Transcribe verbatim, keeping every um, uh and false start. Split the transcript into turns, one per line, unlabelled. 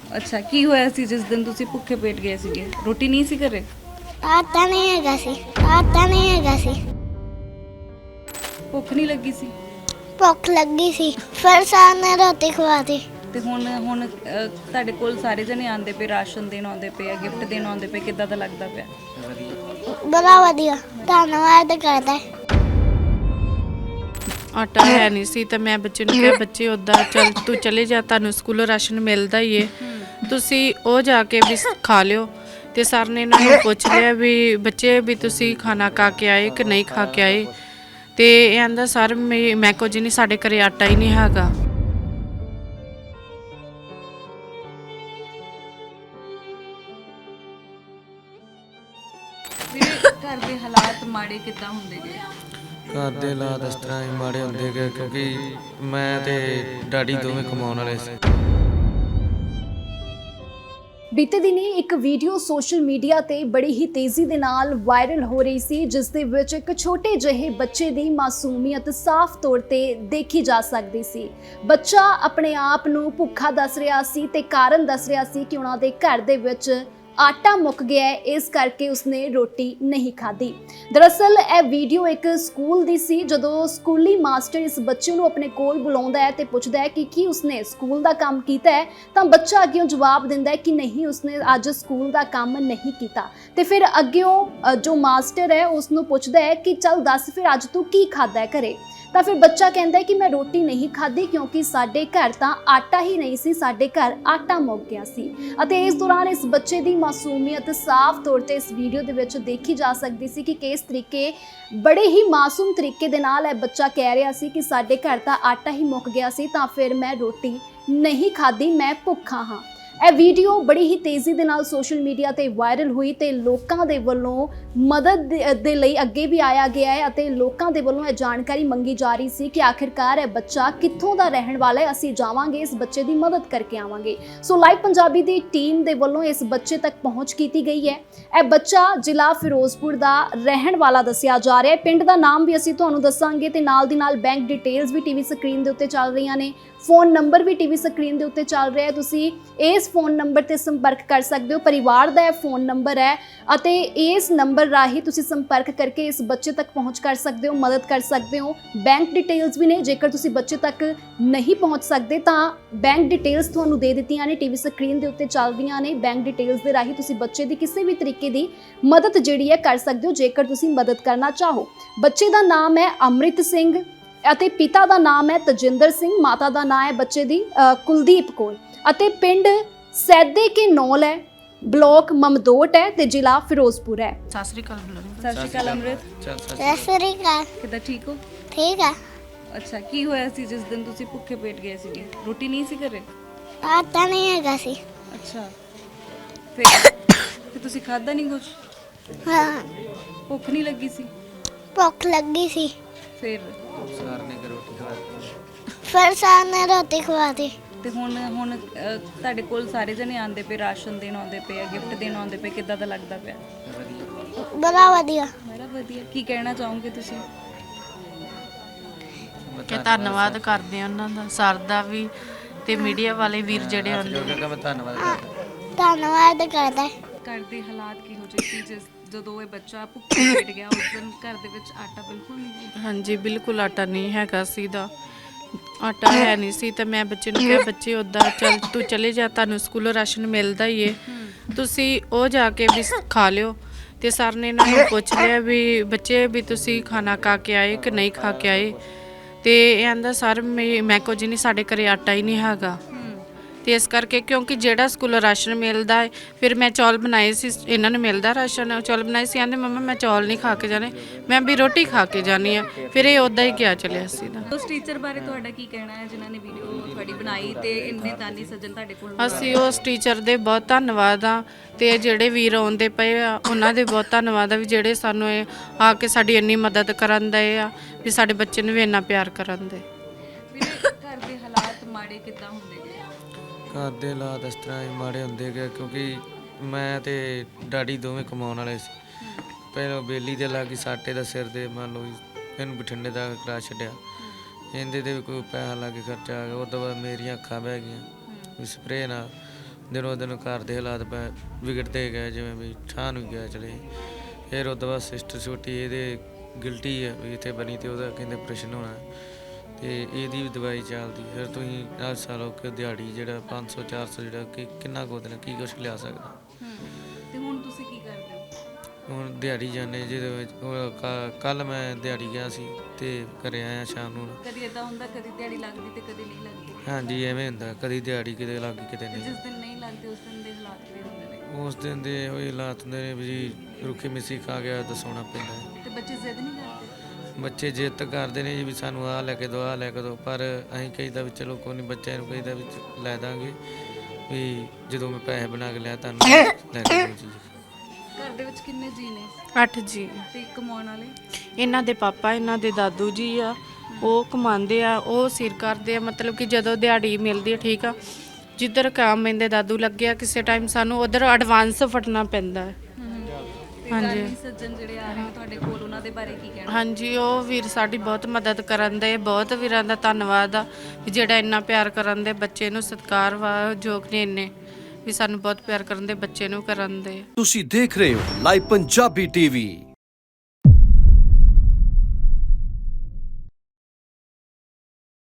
ਅੱਛਾ, ਕੀ ਹੋਇਆ ਸੀ ਜਿਸ ਦਿਨ ਤੁਸੀਂ ਭੁੱਖੇ ਪੇਟ ਗਏ ਸੀਗੇ? ਰੋਟੀ ਨਹੀਂ ਸੀ ਘਰੇ?
ਆਟਾ ਨਹੀਂ ਹੈਗਾ ਸੀ ਆਟਾ ਨਹੀਂ ਹੈਗਾ ਸੀ
ਭੁੱਖ ਨਹੀਂ ਲੱਗੀ ਸੀ?
ਭੁੱਖ ਲੱਗੀ ਸੀ ਫਿਰ ਸਾਰ ਨੇ ਰੋਟੀ ਖਵਾਤੀ।
ਤੇ ਹੁਣ ਹੁਣ ਅਹ, ਤੁਹਾਡੇ ਕੋਲ ਸਾਰੇ ਜਣੇ ਆਉਂਦੇ ਪਏ, ਰਾਸ਼ਨ ਦੇਣ ਆਉਂਦੇ ਪਏ ਆ, ਗਿਫਟ ਦੇਣ ਆਉਂਦੇ ਪਏ, ਕਿੱਦਾਂ ਦਾ ਲੱਗਦਾ ਪਿਆ?
ਬੜਾ ਵਧੀਆ, ਧੰਨਵਾਦ ਕਰਦਾ।
ਆਟਾ ਹੈ ਨਹੀਂ ਸੀ ਤਾਂ ਮੈਂ ਬੱਚੇ ਨੂੰ ਕਿਹਾ ਬੱਚੇ ਉੱਦਾਂ ਚੱਲ ਤੂੰ ਚਲੇ ਜਾ, ਤੁਹਾਨੂੰ ਸਕੂਲੋਂ ਰਾਸ਼ਨ ਮਿਲਦਾ ਹੀ ਏ, ਤੁਸੀਂ ਉਹ ਜਾ ਕੇ ਵੀ ਖਾ ਲਿਓ। ਤੇ ਸਰ ਨੇ ਇਹਨਾਂ ਨੂੰ ਪੁੱਛ ਲਿਆ ਵੀ ਬੱਚੇ ਵੀ ਤੁਸੀਂ ਖਾਣਾ ਖਾ ਕੇ ਆਏ ਕਿ ਨਹੀਂ ਖਾ ਕੇ ਆਏ। ਤੇ ਇਹ ਆਂਦਾ ਸਰ ਮੈਂ ਮੈਂ ਕੁਝ ਨਹੀਂ, ਸਾਡੇ ਘਰੇ ਆਟਾ ਹੀ ਨਹੀਂ ਹੈਗਾ।
ਵੀਰੇ, ਘਰ ਦੇ ਹਾਲਾਤ ਮਾੜੇ ਕਿੱਦਾਂ ਹੁੰਦੇ ਗਏ?
ਘਰ ਦੇ ਹਾਲਾਤ ਇਸ ਤਰ੍ਹਾਂ ਹੀ ਮਾੜੇ ਹੁੰਦੇ ਗਏ ਕਿਉਂਕਿ ਮੈਂ ਤੇ ਡੈਡੀ ਦੋਵੇਂ ਕਮਾਉਣ ਵਾਲੇ ਸੀ।
ਬੀਤੇ ਦਿਨੀ ਇੱਕ ਵੀਡੀਓ ਸੋਸ਼ਲ ਮੀਡੀਆ ਤੇ ਬੜੀ ਹੀ ਤੇਜ਼ੀ ਦੇ ਨਾਲ ਵਾਇਰਲ ਹੋ ਰਹੀ ਸੀ, ਜਿਸ ਦੇ ਵਿੱਚ ਇੱਕ ਛੋਟੇ ਜਿਹੇ ਬੱਚੇ ਦੀ ਮਾਸੂਮੀਅਤ ਸਾਫ਼ ਤੌਰ ਤੇ ਦੇਖੀ ਜਾ ਸਕਦੀ ਸੀ। ਬੱਚਾ ਆਪਣੇ ਆਪ ਨੂੰ ਭੁੱਖਾ ਦੱਸ ਰਿਹਾ ਸੀ ਤੇ ਕਾਰਨ ਦੱਸ ਰਿਹਾ ਸੀ ਕਿ ਉਹਨਾਂ ਦੇ ਘਰ ਦੇ ਵਿੱਚ ਆਟਾ ਮੁੱਕ ਗਿਆ ਹੈ, ਇਸ ਕਰਕੇ ਉਸਨੇ ਰੋਟੀ ਨਹੀਂ ਖਾਧੀ। ਦਰਅਸਲ ਇਹ ਵੀਡੀਓ ਇੱਕ ਸਕੂਲ ਦੀ ਸੀ। ਜਦੋਂ ਸਕੂਲੀ ਮਾਸਟਰ ਇਸ ਬੱਚੇ ਨੂੰ ਆਪਣੇ ਕੋਲ ਬੁਲਾਉਂਦਾ ਹੈ ਤੇ ਪੁੱਛਦਾ ਹੈ ਕਿ ਕੀ ਉਸਨੇ ਸਕੂਲ ਦਾ ਕੰਮ ਕੀਤਾ ਹੈ, ਤਾਂ ਬੱਚਾ ਅੱਗਿਓਂ ਜਵਾਬ ਦਿੰਦਾ ਹੈ ਕਿ ਨਹੀਂ, ਉਸਨੇ ਅੱਜ ਸਕੂਲ ਦਾ ਕੰਮ ਨਹੀਂ ਕੀਤਾ। ਤੇ ਫਿਰ ਅੱਗਿਓਂ ਜੋ ਮਾਸਟਰ ਹੈ ਉਸ ਨੂੰ ਪੁੱਛਦਾ ਹੈ ਕਿ ਚੱਲ ਦੱਸ ਫਿਰ ਅੱਜ ਤੂੰ ਕੀ ਖਾਧਾ ਹੈ ਘਰੇ। ਤਾਂ ਫਿਰ ਬੱਚਾ ਕਹਿੰਦਾ ਹੈ ਕਿ ਮੈਂ ਰੋਟੀ ਨਹੀਂ ਖਾਧੀ ਕਿਉਂਕਿ ਸਾਡੇ ਘਰ ਤਾਂ ਆਟਾ ਹੀ ਨਹੀਂ ਸੀ, ਸਾਡੇ ਘਰ ਆਟਾ ਮੁੱਕ ਗਿਆ ਸੀ। ਅਤੇ ਇਸ ਦੌਰਾਨ ਇਸ ਬੱਚੇ ਦੀ ਮਾਸੂਮੀਅਤ ਸਾਫ਼ ਤੌਰ ਤੇ ਇਸ ਵੀਡੀਓ ਦੇ ਵਿੱਚ ਦੇਖੀ ਜਾ ਸਕਦੀ ਸੀ ਕਿ ਕਿਸ ਤਰੀਕੇ ਬੜੇ ਹੀ ਮਾਸੂਮ ਤਰੀਕੇ ਦੇ ਨਾਲ ਇਹ ਬੱਚਾ ਕਹਿ ਰਿਹਾ ਸੀ ਕਿ ਸਾਡੇ ਘਰ ਤਾਂ ਆਟਾ ਹੀ ਮੁੱਕ ਗਿਆ ਸੀ, ਤਾਂ ਫਿਰ ਮੈਂ ਰੋਟੀ ਨਹੀਂ ਖਾਧੀ, ਮੈਂ ਭੁੱਖਾ ਹਾਂ। ਇਹ ਵੀਡੀਓ ਬੜੀ ਹੀ ਤੇਜ਼ੀ ਦੇ ਨਾਲ ਸੋਸ਼ਲ ਮੀਡੀਆ ਤੇ ਵਾਇਰਲ ਹੋਈ ਤੇ ਲੋਕਾਂ ਦੇ ਵੱਲੋਂ ਮਦਦ ਦੇ ਲਈ ਅੱਗੇ ਵੀ ਆਇਆ ਗਿਆ ਹੈ ਅਤੇ ਲੋਕਾਂ ਦੇ ਵੱਲੋਂ ਇਹ ਜਾਣਕਾਰੀ ਮੰਗੀ ਜਾ ਰਹੀ ਸੀ ਕਿ ਆਖਿਰਕਾਰ ਇਹ ਬੱਚਾ ਕਿੱਥੋਂ ਦਾ ਰਹਿਣ ਵਾਲਾ ਹੈ, ਅਸੀਂ ਜਾਵਾਂਗੇ, ਇਸ ਬੱਚੇ ਦੀ ਮਦਦ ਕਰਕੇ ਆਵਾਂਗੇ। ਸੋ ਲਾਈਵ ਪੰਜਾਬੀ ਦੀ ਟੀਮ ਦੇ ਵੱਲੋਂ ਇਸ ਬੱਚੇ ਤੱਕ ਪਹੁੰਚ ਕੀਤੀ ਗਈ ਹੈ। ਇਹ ਬੱਚਾ ਜ਼ਿਲ੍ਹਾ ਫਿਰੋਜ਼ਪੁਰ ਦਾ ਰਹਿਣ ਵਾਲਾ ਦੱਸਿਆ ਜਾ ਰਿਹਾ ਹੈ। ਪਿੰਡ ਦਾ ਨਾਮ ਵੀ ਅਸੀਂ ਤੁਹਾਨੂੰ ਦੱਸਾਂਗੇ ਤੇ ਨਾਲ ਦੀ ਨਾਲ ਬੈਂਕ ਡਿਟੇਲਸ ਵੀ ਟੀਵੀ ਸਕਰੀਨ ਦੇ ਉੱਤੇ ਚੱਲ ਰਹੀਆਂ ਨੇ, ਫੋਨ ਨੰਬਰ ਵੀ ਟੀਵੀ ਸਕਰੀਨ ਦੇ ਉੱਤੇ ਚੱਲ ਰਿਹਾ ਹੈ। ਤੁਸੀਂ ਇਸ ਫੋਨ ਨੰਬਰ ਤੇ ਸੰਪਰਕ ਕਰ ਸਕਦੇ ਹੋ। ਪਰਿਵਾਰ ਦਾ ਇਹ ਫੋਨ ਨੰਬਰ ਹੈ ਅਤੇ ਇਸ ਨੰਬਰ ਰਾਹੀਂ ਤੁਸੀਂ ਸੰਪਰਕ ਕਰਕੇ ਇਸ ਬੱਚੇ ਤੱਕ ਪਹੁੰਚ ਕਰ ਸਕਦੇ ਹੋ, ਮਦਦ ਕਰ ਸਕਦੇ ਹੋ। ਬੈਂਕ ਡਿਟੇਲਸ ਵੀ ਨੇ, ਜੇਕਰ ਤੁਸੀਂ ਬੱਚੇ ਤੱਕ ਨਹੀਂ ਪਹੁੰਚ ਸਕਦੇ ਤਾਂ ਬੈਂਕ ਡਿਟੇਲਸ ਤੁਹਾਨੂੰ ਦੇ ਦਿੱਤੀਆਂ ਨੇ, ਟੀਵੀ ਸਕਰੀਨ ਦੇ ਉੱਤੇ ਚੱਲ ਰਹੀਆਂ ਨੇ। ਬੈਂਕ ਡਿਟੇਲਸ ਦੇ ਰਾਹੀਂ ਤੁਸੀਂ ਬੱਚੇ ਦੀ ਕਿਸੇ ਵੀ ਤਰੀਕੇ ਦੀ ਮਦਦ ਜਿਹੜੀ ਹੈ ਕਰ ਸਕਦੇ ਹੋ, ਜੇਕਰ ਤੁਸੀਂ ਮਦਦ ਕਰਨਾ ਚਾਹੋ। ਬੱਚੇ ਦਾ ਨਾਮ ਹੈ ਅੰਮ੍ਰਿਤ ਸਿੰਘ ਅਤੇ ਪਿਤਾ ਦਾ ਨਾਮ ਹੈ ਤਜਿੰਦਰ ਸਿੰਘ, ਮਾਤਾ ਦਾ ਨਾਮ ਹੈ ਬੱਚੇ ਦੀ ਕੁਲਦੀਪ ਕੌਰ ਅਤੇ ਪਿੰਡ ਸੈਦੇ ਕੇ ਨੌਲ ਹੈ, ਬਲਾਕ ਮਮਦੋਟ ਹੈ ਤੇ ਜ਼ਿਲ੍ਹਾ ਫਿਰੋਜ਼ਪੁਰ ਹੈ।
ਸਤਿ ਸ੍ਰੀ ਅਕਾਲ ਬੁਲਾਓ।
ਸਤਿ ਸ਼੍ਰੀ ਅਕਾਲ ਅੰਮ੍ਰਿਤ,
ਚੱਲ ਸੱਚ
ਸਤਿ ਸ੍ਰੀ ਅਕਾਲ।
ਕਿੱਦਾਂ, ਠੀਕ ਹੋ?
ਠੀਕ ਆ।
ਅੱਛਾ, ਕੀ ਹੋਇਆ ਸੀ ਜਿਸ ਦਿਨ ਤੁਸੀਂ ਭੁੱਖੇ ਪੇਟ ਗਏ ਸੀਗੇ? ਰੋਟੀ ਨਹੀਂ ਸੀ ਘਰੇ?
ਆਟਾ ਨਹੀਂ ਹੈਗਾ ਸੀ।
ਅੱਛਾ, ਫਿਰ ਫਿਰ ਤੁਸੀਂ ਖਾਧਾ ਨਹੀਂ ਕੁਝ?
ਹਾਂ,
ਭੁੱਖ ਨਹੀਂ ਲੱਗੀ ਸੀ?
ਭੁੱਖ ਲੱਗੀ ਸੀ
ਫਿਰ
ਸਾਰ ਨੇ ਕਿ ਰੋਟੀ ਖਵਾਤੀ।
ਫਿਰ ਸਾਰ ਨੇ ਰੋਟੀ ਖਵਾਤੀ।
ਤੇ ਹੁਣ ਹੁਣ ਅਹ, ਤੁਹਾਡੇ ਕੋਲ ਸਾਰੇ ਜਣੇ ਆਉਂਦੇ ਪਏ, ਰਾਸ਼ਨ ਦੇਣ ਆਉਂਦੇ ਪਏ ਆ, ਗਿਫਟ ਦੇਣ ਆਉਂਦੇ ਪਏ, ਕਿੱਦਾਂ ਦਾ ਲੱਗਦਾ ਪਿਆ?
ਬੜਾ ਵਧੀਆ।
ਬੜਾ ਵਧੀਆ। ਕੀ ਕਹਿਣਾ ਚਾਹੋਗੇ ਤੁਸੀਂ?
ਕਿ ਧੰਨਵਾਦ ਕਰਦੇ ਆ ਉਹਨਾਂ ਦਾ, ਸਰ ਦਾ ਵੀ ਤੇ ਮੀਡੀਆ ਵਾਲੇ ਵੀਰ ਜਿਹੜੇ ਆਉਂਦੇ।
ਜੋ ਕਿ ਮੈਂ ਧੰਨਵਾਦ ਕਰਦਾ।
ਧੰਨਵਾਦ ਕਰਦਾ।
ਘਰ ਦੇ ਹਾਲਾਤ ਕਿਹੋ ਜਿਹੇ ਸੀ ਜਿਸ ਜਦੋਂ ਇਹ ਬੱਚਾ ਭੁੱਖਾ ਪੇਟ ਗਿਆ? ਉਸ ਦਿਨ ਘਰ ਦੇ ਵਿੱਚ ਆਟਾ ਬਿਲਕੁਲ ਨਹੀਂ ਸੀ?
ਹਾਂਜੀ, ਬਿਲਕੁਲ ਆਟਾ ਨਹੀਂ ਹੈਗਾ ਸੀ ਦਾ ਆਟਾ ਹੈ ਨਹੀਂ ਸੀ ਤਾਂ ਮੈਂ ਬੱਚੇ ਨੂੰ ਕਿਹਾ ਬੱਚੇ ਉੱਦਾਂ ਚੱਲ ਤੂੰ ਚਲੇ ਜਾ, ਤੁਹਾਨੂੰ ਸਕੂਲੋਂ ਰਾਸ਼ਨ ਮਿਲਦਾ ਹੀ ਏ, ਤੁਸੀਂ ਉਹ ਜਾ ਕੇ ਵੀ ਖਾ ਲਿਓ। ਤੇ ਸਰ ਨੇ ਇਹਨਾਂ ਨੂੰ ਪੁੱਛ ਲਿਆ ਵੀ ਬੱਚੇ ਵੀ ਤੁਸੀਂ ਖਾਣਾ ਖਾ ਕੇ ਆਏ ਕਿ ਨਹੀਂ ਖਾ ਕੇ ਆਏ। ਤੇ ਇਹ ਆਂਦਾ ਸਰ ਮੈਂ ਮੈਂ ਕੁਝ ਨਹੀਂ, ਸਾਡੇ ਘਰੇ ਆਟਾ ਹੀ ਨਹੀਂ ਹੈਗਾ। ਤੇ ਇਸ ਕਰਕੇ ਕਿਉਂਕਿ ਜਿਹੜਾ ਸਕੂਲੋਂ ਰਾਸ਼ਨ ਮਿਲਦਾ ਹੈ, ਫਿਰ ਮੈਂ ਚੌਲ ਬਣਾਏ ਸੀ, ਇਹਨਾਂ ਨੂੰ ਮਿਲਦਾ ਰਾਸ਼ਨ, ਚੌਲ ਬਣਾਏ ਸੀ। ਆਂਦੇ ਮੰਮਾ ਮੈਂ ਚੌਲ ਨਹੀਂ ਖਾ ਕੇ ਜਾਣੇ, ਮੈਂ ਵੀ ਰੋਟੀ ਖਾ ਕੇ ਜਾਣੀ ਆ। ਫਿਰ ਇਹ ਉੱਦਾਂ ਹੀ ਗਿਆ ਚਲਿਆ ਸੀ ਦਾ।
ਉਸ ਟੀਚਰ ਬਾਰੇ ਤੁਹਾਡਾ ਕੀ ਕਹਿਣਾ ਹੈ ਜਿਨ੍ਹਾਂ ਨੇ ਵੀਡੀਓ ਤੁਹਾਡੀ ਬਣਾਈ ਤੇ ਇੰਨੇ ਦਾਨੀ ਸੱਜਣ ਤੁਹਾਡੇ ਕੋਲ?
ਅਸੀਂ ਉਸ ਟੀਚਰ ਦੇ ਬਹੁਤ ਧੰਨਵਾਦ ਆ ਤੇ ਜਿਹੜੇ ਵੀਰ ਆਉਂਦੇ ਪਏ ਆ ਉਹਨਾਂ ਦੇ ਬਹੁਤ ਧੰਨਵਾਦ ਆ ਵੀ ਜਿਹੜੇ ਸਾਨੂੰ ਇਹ ਆ ਕੇ ਸਾਡੀ ਇੰਨੀ ਮਦਦ ਕਰਨ ਦੇ ਆ, ਵੀ ਸਾਡੇ ਬੱਚੇ ਨੂੰ ਵੀ ਇੰਨਾ ਪਿਆਰ ਕਰਨ ਦੇ।
ਵੀਰੇ, ਘਰ ਦੇ ਹਾਲਾਤ ਮਾੜੇ ਕਿੱਦਾਂ ਹੁੰਦੇ ਗਏ?
ਘਰ ਦੇ ਹਾਲਾਤ ਇਸ ਤਰ੍ਹਾਂ ਹੀ ਮਾੜੇ ਹੁੰਦੇ ਗਏ ਕਿਉਂਕਿ ਮੈਂ ਤੇ ਡੈਡੀ ਦੋਵੇਂ ਕਮਾਉਣ ਵਾਲੇ ਸੀ। ਪਹਿਲਾਂ ਬੇਲੀ ਦੇ ਲਾਗੀ ਸਾਟੇ ਦਾ ਸਿਰ ਦੇ ਮੰਨ ਲਓ ਇਹਨੂੰ ਬਠਿੰਡੇ ਦਾ ਕਰਾ ਛੱਡਿਆ, ਇਹਦੇ ਤੇ ਵੀ ਕੋਈ ਪੈਸਾ ਲਾ ਕੇ ਖਰਚਾ ਆ ਗਿਆ। ਉਹ ਤੋਂ ਬਾਅਦ ਮੇਰੀਆਂ ਅੱਖਾਂ ਬਹਿ ਗਈਆਂ ਵੀ ਸਪਰੇਅ ਨਾਲ। ਦਿਨੋਂ ਦਿਨ ਘਰ ਦੇ ਹਾਲਾਤ ਬ- ਵਿਗੜਦੇ ਗਏ, ਜਿਵੇਂ ਵੀ ਠਾਹ ਨੂੰ ਗਿਆ ਚਲੇ। ਫਿਰ ਉਹ ਤੋਂ ਬਾਅਦ ਸਿਸਟਰ ਛੋਟੀ ਇਹਦੇ ਗਿਲਟੀ ਹੈ ਵੀ ਇੱਥੇ ਬਣੀ ਤੇ ਉਹਦਾ ਕਹਿੰਦੇ ਆਪਰੇਸ਼ਨ ਹੋਣਾ ਤੇ ਇਹਦੀ ਵੀ ਦਵਾਈ ਚੱਲਦੀ। ਫਿਰ ਤੁਸੀਂ ਹਰ ਸਾਲ ਹੋ ਕੇ ਦਿਹਾੜੀ ਜਿਹੜਾ ਪੰਜ ਸੌ ਚਾਰ ਸੌ ਜਿਹੜਾ ਕਿ ਕਿੰਨਾ ਕੁ ਉਹਦੇ ਨਾਲ ਕੀ ਕੁਛ ਲਿਆ ਸਕਦਾ।
ਤੇ ਹੁਣ ਤੁਸੀਂ ਕੀ ਕਰਦੇ ਹੋ?
ਹੁਣ ਦਿਹਾੜੀ ਜਾਂਦੇ ਜਿਹਦੇ ਵਿੱਚ ਕੱਲ ਮੈਂ ਦਿਹਾੜੀ ਗਿਆ ਸੀ ਤੇ ਘਰੇ ਆਇਆ ਸ਼ਾਮ ਨੂੰ।
ਕਦੀ ਇਦਾਂ ਹੁੰਦਾ ਕਦੀ ਦਿਹਾੜੀ ਲੱਗਦੀ ਤੇ ਕਦੀ ਨਹੀਂ ਲੱਗਦੀ?
ਹਾਂਜੀ ਐਵੇਂ ਹੁੰਦਾ, ਕਦੀ ਦਿਹਾੜੀ ਕਿਤੇ ਲੱਗ ਗਈ ਕਿਤੇ
ਤੇ
ਨਹੀਂ।
ਜਿਸ ਦਿਨ ਨਹੀਂ ਲੱਗਦੀ ਉਸ ਦਿਨ ਦੇ ਹਾਲਾਤ ਕੀ ਹੁੰਦੇ ਨੇ?
ਉਸ ਦਿਨ ਦੇ ਉਹੀ ਹਾਲਾਤ ਹੁੰਦੇ ਨੇ ਵੀ ਜੀ ਰੁੱਖੀ ਮਿੱਸੀ ਖਾ ਗਿਆ ਤਾਂ ਸੌਣਾ ਪੈਂਦਾ ਹੈ।
ਤੇ ਬੱਚੇ ਜ਼ਿੱਦ ਨਹੀਂ ਕਰਦੇ?
ਬੱਚੇ ਜਿੱਦ ਕਰਦੇ ਨੇ ਜੀ ਵੀ ਸਾਨੂੰ ਆਹ ਲੈ ਕੇ ਦਿਓ ਆਹ ਲੈ ਕੇ ਦਿਓ, ਪਰ ਅਸੀਂ ਕਹੀਦਾ ਵੀ ਚਲੋ ਕੋਈ ਨਹੀਂ, ਬੱਚਿਆਂ ਨੂੰ ਕਹੀਦਾ ਵੀ ਚ- ਲੈ ਦਾਂਗੇ ਵੀ ਜਦੋਂ ਮੈਂ ਪੈਸੇ ਬਣਾ ਕੇ ਲਿਆ ਤੁਹਾਨੂੰ ਲੈ ਕੇ ਦਿਓ ਜੀ।
ਘਰ ਦੇ ਵਿੱਚ ਕਿੰਨੇ ਜੀ ਨੇ
ਅੱਠ ਜੀ।
ਤੇ ਕਮਾਉਣ ਵਾਲੇ?
ਇਹਨਾਂ ਦੇ ਪਾਪਾ ਇਹਨਾਂ ਦੇ ਦਾਦੂ ਜੀ ਆ, ਉਹ ਕਮਾਉਂਦੇ ਆ, ਉਹ ਸਿਰ ਕਰਦੇ ਆ। ਮਤਲਬ ਕਿ ਜਦੋਂ ਦਿਹਾੜੀ ਮਿਲਦੀ ਹੈ ਠੀਕ ਆ, ਜਿੱਧਰ ਕੰਮ ਇਹਦੇ ਦਾਦੂ ਲੱਗਿਆ ਕਿਸੇ ਟਾਈਮ ਸਾਨੂੰ ਉਧਰ ਐਡਵਾਂਸ ਫਟਣਾ ਪੈਂਦਾ ਹੈ।
ਤੇ
ਹਾਂਜੀ।
ਦਾਨੀ ਸੱਜਣ ਜਿਹੜੇ ਆ ਰਹੇ ਨੇ ਤੁਹਾਡੇ ਕੋਲ, ਉਹਨਾਂ ਦੇ ਬਾਰੇ ਕੀ ਕਹਿਣਾ?
ਹਾਂਜੀ, ਉਹ ਵੀਰ ਸਾਡੀ ਬਹੁਤ ਮਦਦ ਕਰਨ ਦੇ, ਬਹੁਤ ਵੀਰਾਂ ਦਾ ਧੰਨਵਾਦ ਆ ਵੀ ਜਿਹੜਾ ਇੰਨਾ ਪਿਆਰ ਕਰਨ ਦੇ ਬੱਚੇ ਨੂੰ, ਸਤਿਕਾਰ ਵਾ ਯੋਗ ਨੇ ਇੰਨੇ ਵੀ ਸਾਨੂੰ ਬਹੁਤ ਪਿਆਰ ਕਰਨ ਦੇ ਬੱਚੇ ਨੂੰ ਕਰਨ ਦੇ।
ਤੁਸੀਂ ਦੇਖ ਰਹੇ ਹੋ ਲਾਈਵ ਪੰਜਾਬੀ ਟੀਵੀ।